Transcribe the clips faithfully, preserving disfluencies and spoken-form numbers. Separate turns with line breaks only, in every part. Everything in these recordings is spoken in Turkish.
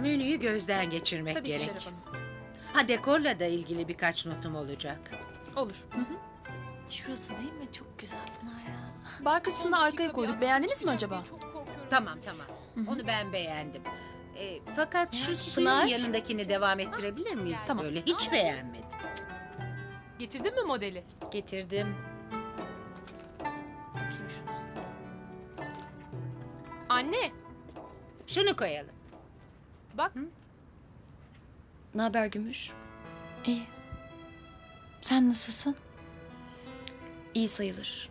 Menüyü gözden geçirmek
Tabii ki
gerek.
Şeref Hanım.
Ha, dekorla da ilgili birkaç notum olacak.
Olur.
Şurası değil mi? Çok güzel Pınar ya.
Bar kısmını arkaya koyduk. Beğendiniz mi acaba?
Tamam tamam. Onu ben beğendim. E, fakat şu suyun
Pınar?
yanındakini devam ettirebilir miyiz?
Tamam.
Böyle hiç beğenmedim.
Getirdin mi modeli?
Getirdim.
Bakayım şuna. Anne,
Şunu koyalım.
bak.
Ne haber Gümüş? İyi. Sen nasılsın? İyi sayılır.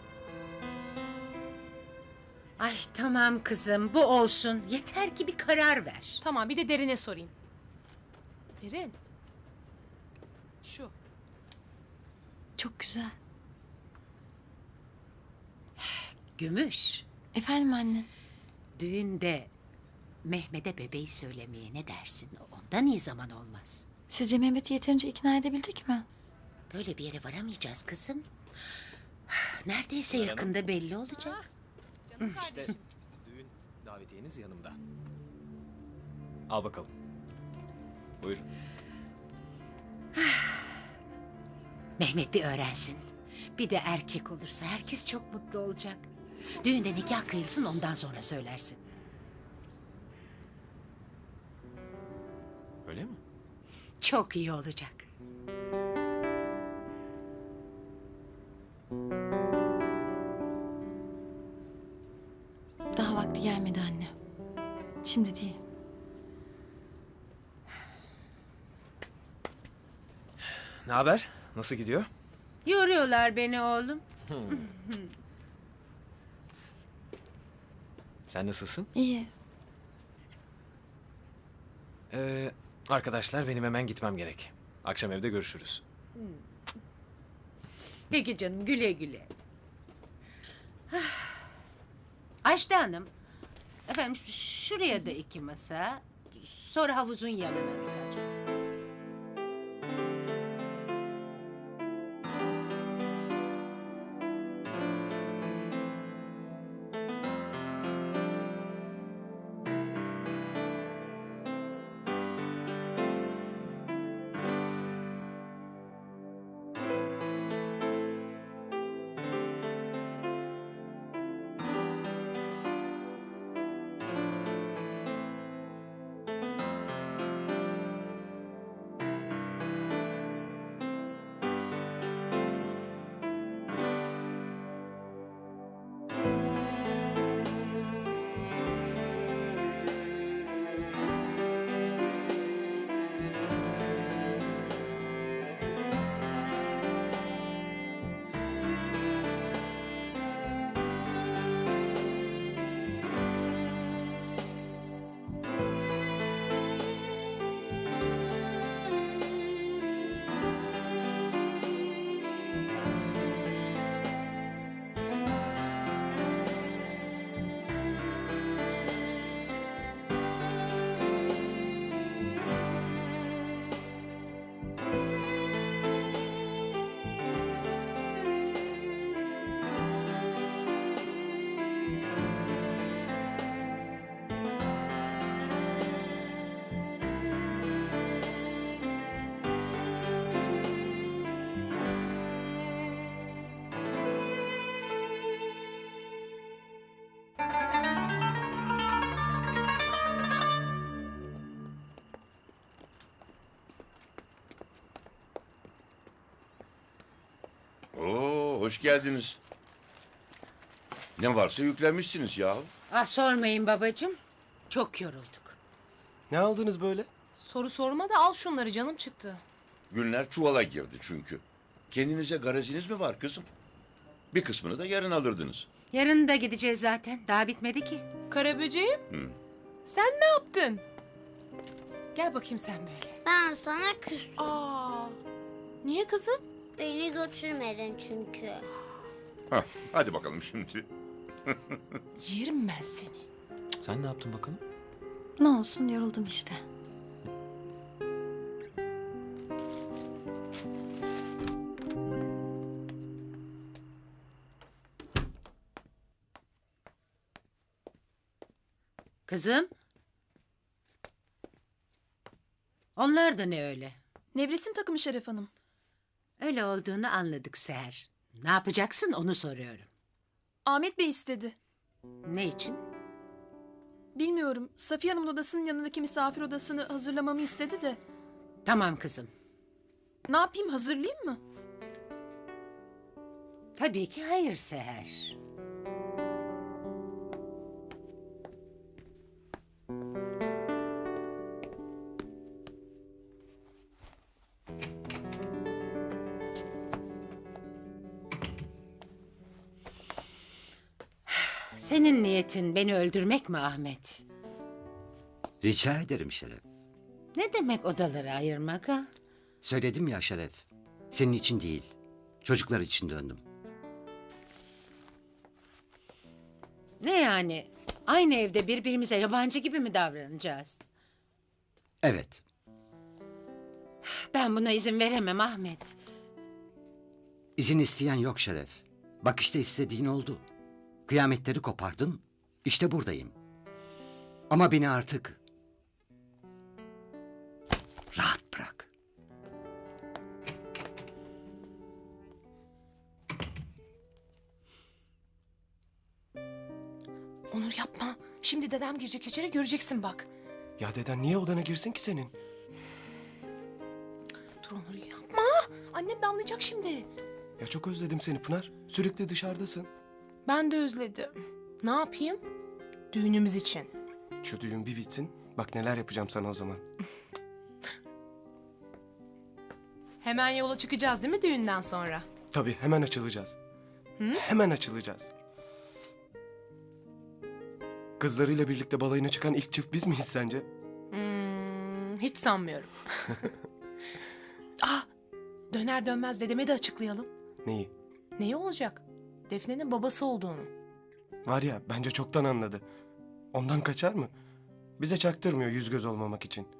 Ay tamam kızım, bu olsun. Yeter ki bir karar ver.
Tamam, bir de Derin'e sorayım. Derin. Şu.
Çok güzel.
Gümüş,
Efendim anne?
düğünde Mehmet'e bebeği söylemeye ne dersin? Ondan iyi zaman olmaz.
Sizce Mehmet'i yeterince ikna edebildik mi?
Böyle bir yere varamayacağız kızım. Neredeyse yakında belli olacak.
Canım
İşte
kardeşim.
düğün davetiyeniz yanımda. Al bakalım. Buyurun.
Mehmet bir öğrensin. Bir de erkek olursa herkes çok mutlu olacak. Düğünde nikah kıyılsın, ondan sonra söylersin.
Öyle mi?
Çok iyi olacak.
Daha vakti gelmedi anne. Şimdi değil.
Ne haber? Nasıl gidiyor?
Yoruyorlar beni oğlum.
Sen nasılsın?
İyi.
Ee, arkadaşlar benim hemen gitmem gerek. Akşam evde görüşürüz.
Peki canım, güle güle. Ayşe Hanım, efendim ş- şuraya da iki masa, sonra havuzun yanına birkaç masa.
Oo, hoş geldiniz. Ne varsa yüklenmişsiniz ya.
Ah, sormayın babacığım, çok yorulduk.
Ne aldınız böyle?
Soru sorma da al şunları, canım çıktı.
Günler çuvala girdi çünkü. Kendinize garajiniz mi var kızım? Bir kısmını da yarın alırdınız.
Yarın da gideceğiz zaten, daha bitmedi ki.
Karaböceğim.
Hı.
Sen ne yaptın? Gel bakayım sen böyle.
Ben sana küstüm.
Aa. Niye kızım?
Beni götürmedin çünkü.
Hah, hadi bakalım şimdi.
Yerim ben seni.
Sen ne yaptın bakalım?
Ne olsun yoruldum işte.
Kızım, Onlar da ne öyle?
Nevresim takımı Şeref Hanım.
Öyle olduğunu anladık Seher. Ne yapacaksın onu soruyorum.
Ahmet Bey istedi.
Ne için?
Bilmiyorum. Safiye Hanım'ın odasının yanındaki misafir odasını hazırlamamı istedi de.
Tamam kızım.
Ne yapayım, hazırlayayım mı?
Tabii ki hayır Seher. Senin niyetin beni öldürmek mi Ahmet?
Rica ederim Şeref.
Ne demek odaları ayırmak ha?
Söyledim ya Şeref. Senin için değil. Çocuklar için döndüm.
Ne yani? Aynı evde birbirimize yabancı gibi mi davranacağız?
Evet.
Ben buna izin veremem Ahmet.
İzin isteyen yok Şeref. Bak işte istediğin oldu. Kıyametleri kopardın. İşte buradayım. Ama beni artık rahat bırak.
Onur yapma. Şimdi dedem girecek içeri, göreceksin bak.
Ya deden niye odana girsin ki senin?
Dur Onur yapma. Annem de anlayacak şimdi.
Ya çok özledim seni Pınar. Sürekli dışarıdasın.
Ben de özledim. Ne yapayım? Düğünümüz için.
Şu düğün bir bitsin. Bak neler yapacağım sana o zaman.
Hemen yola çıkacağız değil mi düğünden sonra?
Tabii hemen açılacağız. Hemen açılacağız. Kızlarıyla birlikte balayına çıkan ilk çift biz miyiz sence?
Hmm, hiç sanmıyorum. Ah, döner dönmez dedeme de açıklayalım.
Neyi?
Neyi olacak? Defne'nin babası olduğunu.
Var ya bence çoktan anladı. Ondan kaçar mı? Bize çaktırmıyor yüz göz olmamak için.